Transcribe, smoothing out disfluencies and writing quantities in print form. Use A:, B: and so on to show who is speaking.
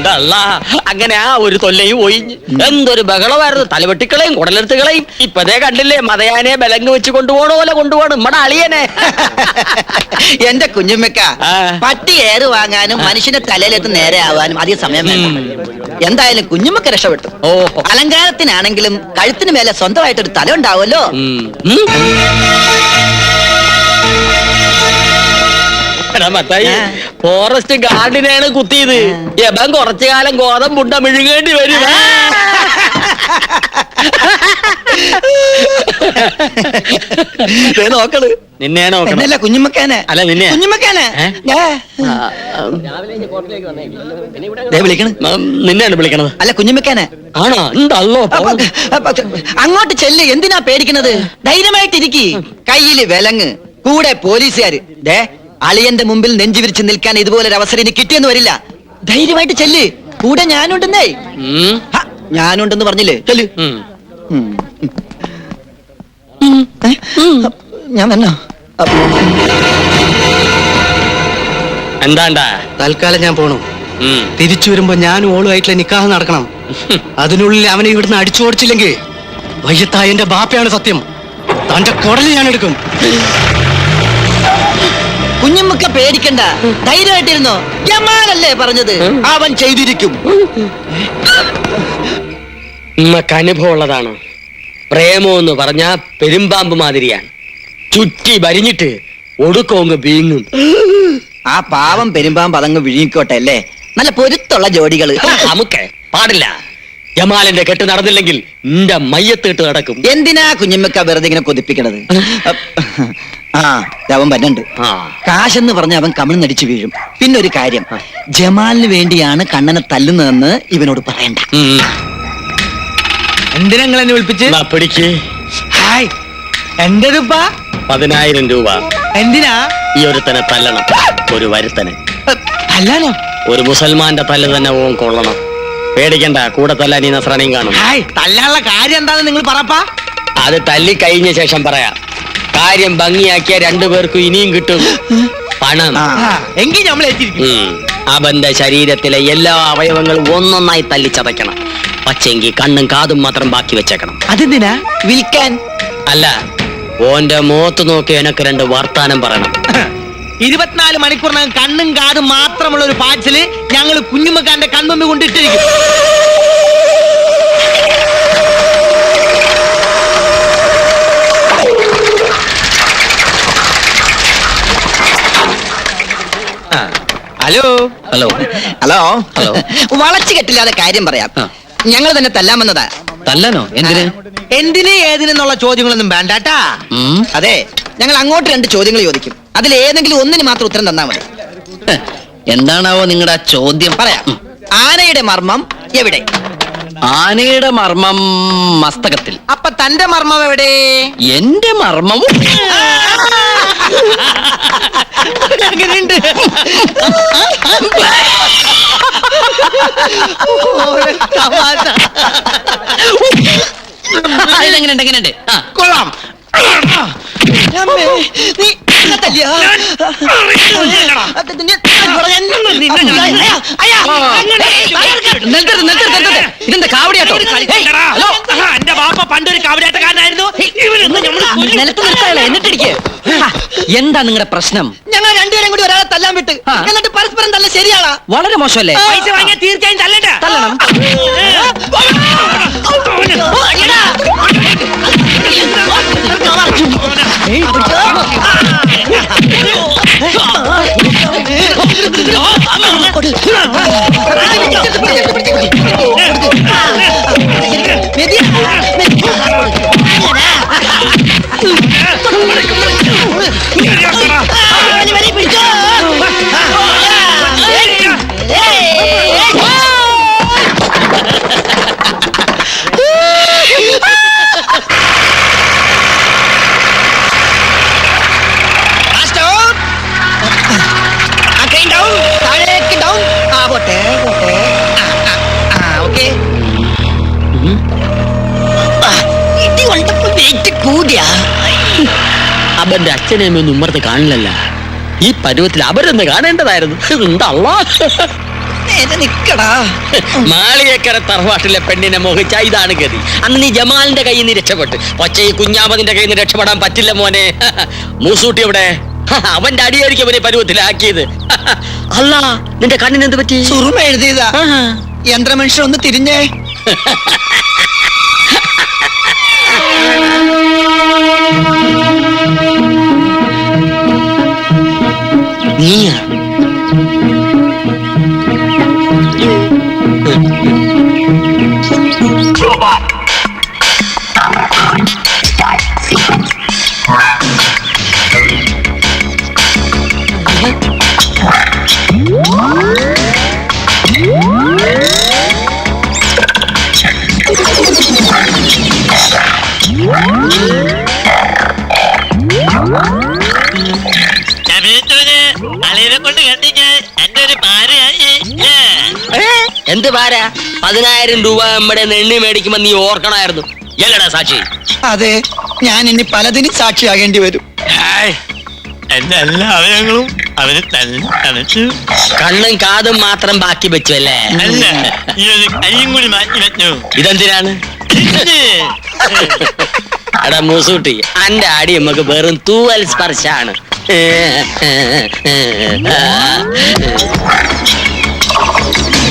A: എന്തല്ല അങ്ങനെ ആ ഒരു തൊല്ലയും ഒഴിഞ്ഞ് എന്തൊരു ബഹളമായിരുന്നു. തലവെട്ടിക്കളയും കുടലെടുത്തുകളയും. ഇപ്പതേ കണ്ടില്ലേ മതയാനെ ബലങ്ങ് വെച്ച് കൊണ്ടുപോകണ പോലെ കൊണ്ടുപോകണം നമ്മടെ അളിയനെ.
B: എന്റെ കുഞ്ഞുമ്മക്ക പട്ടി ഏറ് വാങ്ങാനും മനുഷ്യന്റെ തലയിലെത്ത് നേരെ ആവാനും അധികം സമയം വേണ്ട. എന്തായാലും കുഞ്ഞുമ്മക്ക രക്ഷപ്പെട്ടു. അലങ്കാരത്തിനാണെങ്കിലും കഴുത്തിന് മേലെ സ്വന്തമായിട്ടൊരു തല ഉണ്ടാവുമല്ലോ.
A: ഫോറസ്റ്റ് ഗാർഡിനെയാണ് കുത്തിയത്. എബൻ കുറച്ചു കാലം ഗോതമ്പുണ്ട മിഴുങ്ങേണ്ടി വരും.
B: നോക്കള്
A: നിന്നെ നോക്കണല്ല
B: കുഞ്ഞുമ്മക്കാനെ. അല്ല നിന്നെ കുഞ്ഞുമ്മക്കാനെ
A: നിന്നെയാണ് വിളിക്കണത്.
B: അല്ല കുഞ്ഞുമ്മക്കാനെ
A: ആണോ? എന്തല്ലോ
B: അങ്ങോട്ട് ചെല്ല്. എന്തിനാ പേടിക്കണത്? ധൈര്യമായിട്ടിരിക്കി. കയ്യില് വിലങ്ങ്, കൂടെ പോലീസുകാര്. അളിയന്റെ മുമ്പിൽ നെഞ്ചു വിരിച്ച് നിൽക്കാൻ ഇതുപോലൊരു അവസരം ഇനി കിട്ടിയെന്ന് വരില്ല. ധൈര്യമായിട്ട് ചെല്ല്. കൂടെ ഞാനുണ്ടെന്നേ. ഞാനുണ്ടെന്ന് പറഞ്ഞില്ലേ? ചെല്ല്. ഞാൻ വന്നോ?
A: എന്താണ്ടാ?
C: തൽക്കാലം ഞാൻ പോണു. തിരിച്ചു വരുമ്പോ ഞാനും ഓളുമായിട്ടുള്ള നിക്കാഹ് നടക്കണം. അതിനുള്ളിൽ അവനെ ഇവിടുന്ന് അടിച്ചോടിച്ചില്ലെങ്കിൽ വയ്യത്തായ എന്റെ ബാപ്പയാണ് സത്യം. തന്റെ കുടല് ഞാൻ എടുക്കും.
B: കുഞ്ഞുമ്മക്ക പേടിക്കണ്ട, ധൈര്യമായിട്ടിരുന്നോ. ജമാലല്ലേ പറഞ്ഞത്, അവൻ ചെയ്തിരിക്കും.
A: ഉമ്മക്ക് അനുഭവമുള്ളതാണ്. പ്രേമം എന്ന് പറഞ്ഞാ പെരുമ്പാമ്പ് മാതിരിയാണ്. ചുറ്റി വരിഞ്ഞിട്ട് ഒടുക്കോങ്ങ് വീങ്ങും.
B: ആ പാവം പെരുമ്പാമ്പ് അതങ്ങ് വിഴുങ്ങിക്കോട്ടെ അല്ലേ. നല്ല പൊരുത്തുള്ള ജോഡികള്
A: നമുക്ക് പാടില്ല. ജമാലിന്റെ കെട്ട് നടന്നില്ലെങ്കിൽ നിന്റെ മയ്യത്തിട്ട് നടക്കും.
B: എന്തിനാ കുഞ്ഞുമ്മക്ക വെറുതെ ഇങ്ങനെ കൊതിപ്പിക്കണത്? അവൻ വന്നുണ്ട്. കാശെന്ന് പറഞ്ഞ അവൻ കമിഴ്ന്നടിച്ചു വീഴും. പിന്നെ ഒരു കാര്യം, ജമാലിന് വേണ്ടിയാണ് കണ്ണനെ തല്ലുന്നതെന്ന് ഇവനോട് പറയണ്ട.
C: എന്തിനാ നിങ്ങൾ എന്നെ വിളിപ്പിച്ച്?
A: പിടിക്ക്.
C: ഹായ്, എന്റെതുപ്പാ
A: 10,000 രൂപ.
C: എന്തിനാ?
A: ഈ ഒരുത്തനെ തല്ലണം. ഒരു വരുത്തനെ
C: തല്ലാനോ?
A: ഒരു മുസൽമാന്റെ തല്ല് തന്നെ ഓൻ കൊള്ളണം. പേടിക്കണ്ട, കൂടെ തല്ലാൻ ഈ നസ്രാണിയും കാണും.
C: ഹായ്, തല്ലാനുള്ള കാര്യം എന്താണെന്ന് നിങ്ങൾ പറപ്പാ.
A: അത് തല്ലി കഴിഞ്ഞ ശേഷം പറയാം. കാര്യം ഭംഗിയാക്കിയ 2 പേർക്കും ഇനിയും കിട്ടും പണം.
C: എങ്കിൽ നമ്മൾ
A: അവന്റെ ശരീരത്തിലെ എല്ലാ അവയവങ്ങളും ഒന്നൊന്നായി തല്ലിച്ചതയ്ക്കണം. പക്ഷെങ്കിൽ കണ്ണും കാതും മാത്രം ബാക്കി വെച്ചേക്കണം.
C: അതെന്തിനാ?
B: വിൽക്കാൻ
A: അല്ല, ഓന്റെ മുഖത്ത് നോക്കി എനക്ക് 2 വർത്താനം പറയണം.
C: 24 മണിക്കൂറിനകം കണ്ണും കാതും മാത്രമുള്ള ഒരു പാച്ചില് ഞങ്ങൾ കുഞ്ഞുമ്മക്കാന്റെ കൺമുമ്പിൽ കൊണ്ടിട്ടിരിക്കും.
A: Hello hello
B: hello
A: hello.
B: വളച്ചു കെട്ടില്ലാതെ കാര്യം പറയാം. ഞങ്ങൾ തന്നെ തല്ലാമെന്നതാ.
A: തല്ലാനോ? എന്തിന്?
C: എന്തിന് ഏതിനെന്നുള്ള ചോദ്യങ്ങളൊന്നും വേണ്ടാട്ടാ.
B: അതെ, ഞങ്ങൾ അങ്ങോട്ട് 2 ചോദ്യങ്ങൾ ചോദിക്കും. അതിൽ ഏതെങ്കിലും ഒന്നിന് മാത്രം ഉത്തരം തന്നാ മതി.
A: എന്താണാവോ നിങ്ങളുടെ ചോദ്യം?
B: പറയാം. ആനയുടെ മർമ്മം എവിടെ?
A: ആനയുടെ മർമ്മം മസ്തകത്തിൽ.
B: അപ്പൊ തന്റെ മർമ്മം എവിടെ?
A: എന്റെ മർമ്മം എങ്ങനെയുണ്ട്?
C: കൊള്ളാം.
A: ഇതെന്താ കാവടിയാട്ടോ?
C: എന്റെ ബാപ്പ പണ്ടൊരു കാവടിയാട്ടക്കാരനായിരുന്നു.
A: എന്നിട്ടിരിക്കെ എന്താ നിങ്ങളുടെ പ്രശ്നം?
B: ഞങ്ങൾ 2 പേരും കൂടി ഒരാളെ തല്ലാൻ വിട്ട് എന്നിട്ട് പരസ്പരം തല്ല ശരിയാളാ?
A: വളരെ മോശമല്ലേ?
C: പൈസ വാങ്ങിയാൽ തീർച്ചയായും തല്ലണ്ട.
A: തല്ലണം. അവന്റെ അച്ഛനെയും ഒന്നും ഉമ്മർത്ത് കാണില്ലല്ല. ഈ പരുവത്തിൽ അവരൊന്ന് കാണേണ്ടതായിരുന്നു. എന്താ
B: നേരെ നിക്കടാ.
A: മാളിയേക്കര തറവാട്ടിലെ പെണ്ണിനെ മോഹിച്ച ഇതാണ് ഗതി. അന്ന് നീ ജമാലിന്റെ കയ്യിൽ നിന്ന് രക്ഷപ്പെട്ട്, പക്ഷേ ഈ കുഞ്ഞാമതിന്റെ കയ്യിൽ നിന്ന് രക്ഷപ്പെടാൻ പറ്റില്ല മോനെ. മൂസൂട്ടി എവിടെ? അവന്റെ അടിയായിരിക്കും അവനെ പരുവത്തിലാക്കിയത്. അല്ല, നിന്റെ കണ്ണിന് എന്ത് പറ്റി?
B: സുറുമ എഴുതിയതാ. യന്ത്രമനുഷ്യൻ ഒന്ന് തിരിഞ്ഞേ.
A: നീയാ? എന്ത് പാര? 10,000 രൂപ നമ്മുടെ നെണ്ണി മേടിക്കുമ്പോ നീ ഓർക്കണമായിരുന്നു. എല്ലടാ സാക്ഷി?
B: അതെ, ഞാൻ ഇനി പലതിനും സാക്ഷിയാകേണ്ടി വരും.
D: എന്റെ എല്ലാ അവയവങ്ങളും അവന് തന്നെ തനച്ചു.
A: കണ്ണും കാതും മാത്രം ബാക്കി വെച്ചു അല്ലേ?
D: അല്ല, ഈ ഒരു കൈയും കൂടി മാറ്റി വെച്ചു.
A: ഇതെന്തിനാണ്? എടാ മൂസൂട്ടി, അന്റെ അടി നമുക്ക് വെറും തൂവൽ സ്പർശാണ്.